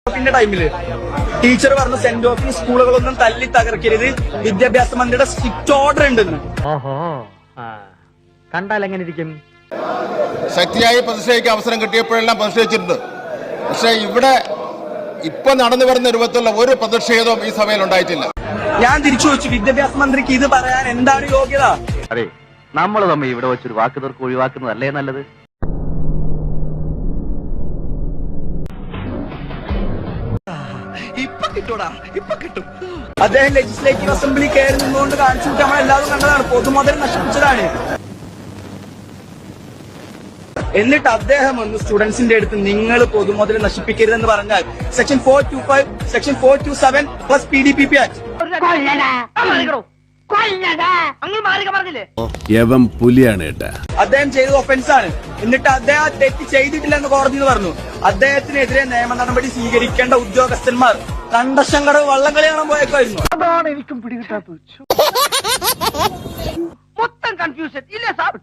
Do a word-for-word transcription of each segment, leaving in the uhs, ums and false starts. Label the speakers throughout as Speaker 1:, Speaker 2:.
Speaker 1: ഓഫിന്റെ ടൈമില് ടീച്ചർ പറഞ്ഞു സെന്റ് ഓഫിന് സ്കൂളുകളൊന്നും തല്ലി തകർക്കരുത്, വിദ്യാഭ്യാസ മന്ത്രിയുടെ സ്ട്രിക്റ്റ് ഓർഡർ ഉണ്ടെന്ന്.
Speaker 2: ഓഹോ, കണ്ടാൽ എങ്ങനെ ഇരിക്കും?
Speaker 3: ശക്തിയായി പ്രതിഷേധിക്കാൻ അവസരം കിട്ടിയപ്പോഴെല്ലാം പ്രതിഷേധിച്ചിട്ടുണ്ട്. പക്ഷെ ഇവിടെ ഇപ്പൊ നടന്നു വരുന്ന രൂപത്തിലുള്ള ഒരു പ്രതിഷേധവും ഈ സഭയിൽ ഉണ്ടായിട്ടില്ല.
Speaker 1: ഞാൻ തിരിച്ചു ചോദിച്ചു, വിദ്യാഭ്യാസ മന്ത്രിക്ക് ഇത് പറയാൻ എന്താണ് യോഗ്യത?
Speaker 2: അതെ, നമ്മൾ തമ്മിൽ ഇവിടെ വെച്ചൊരു വാക്ക് തീർക്ക് ഒഴിവാക്കുന്നതല്ലേ നല്ലത്.
Speaker 1: ഇപ്പൊ കിട്ടൂടാ, ഇപ്പൊ കിട്ടും. അദ്ദേഹം ലെജിസ്ലേറ്റീവ് അസംബ്ലി കയറി നിന്നുകൊണ്ട് കാണിച്ചു കൂട്ടി നമ്മൾ എല്ലാവരും കണ്ടതാണ്. പൊതുമുതൽ നശിപ്പിച്ചതാണ്. എന്നിട്ട് അദ്ദേഹം ഒന്ന് സ്റ്റുഡൻസിന്റെ അടുത്ത് നിങ്ങൾ പൊതുമുതൽ നശിപ്പിക്കരുതെന്ന് പറഞ്ഞാൽ section four two five section four two seven plus P D P P act
Speaker 4: പുലിയാണ് കേട്ടാ.
Speaker 1: അദ്ദേഹം ചെയ്തത് ഒഫൻസ് ആണ്. എന്നിട്ട് അദ്ദേഹം തെറ്റ് ചെയ്തിട്ടില്ലെന്ന് കോടതി പറഞ്ഞു. അദ്ദേഹത്തിനെതിരെ നിയമ നടപടി സ്വീകരിക്കേണ്ട ഉദ്യോഗസ്ഥന്മാർ കണ്ടശങ്കട വള്ളംകളി കാണാൻ പോയേക്കായിരുന്നു.
Speaker 2: അതാണ് എനിക്കും പിടികിട്ടാത്തത്. മൊത്തം കൺഫ്യൂഷൻ ഇല്ലേ സാർ?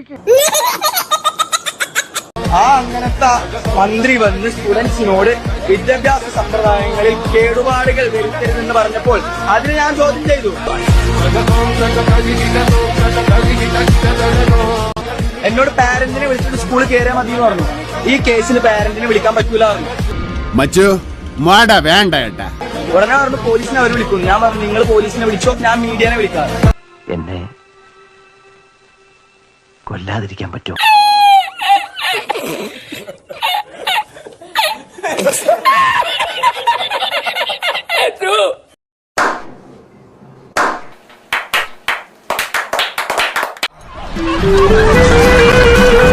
Speaker 1: ആ അങ്ങനത്തെ മന്ത്രി വന്ന് സ്റ്റുഡൻസിനോട് വിദ്യാഭ്യാസ സമ്പ്രദായങ്ങളിൽ കേടുപാടുകൾ വരുത്തരുതെന്ന് പറഞ്ഞപ്പോൾ അതിന് ഞാൻ ചോദ്യം ചെയ്തു. എന്നോട് പാരന്റിനെ വിളിച്ചിട്ട് സ്കൂളിൽ കയറിയാൽ മതി എന്ന് പറഞ്ഞു. ഈ കേസിൽ പാരന്റിനെ വിളിക്കാൻ പറ്റൂല പറഞ്ഞു.
Speaker 4: വേണ്ട ഏട്ടാ.
Speaker 1: ഉടനെ പറഞ്ഞു പോലീസിനെ അവർ വിളിക്കും. ഞാൻ പറഞ്ഞു നിങ്ങൾ പോലീസിനെ വിളിച്ചോ, ഞാൻ മീഡിയനെ വിളിക്കാം.
Speaker 2: എന്നെ കൊല്ലാതിരിക്കാൻ പറ്റുമോ?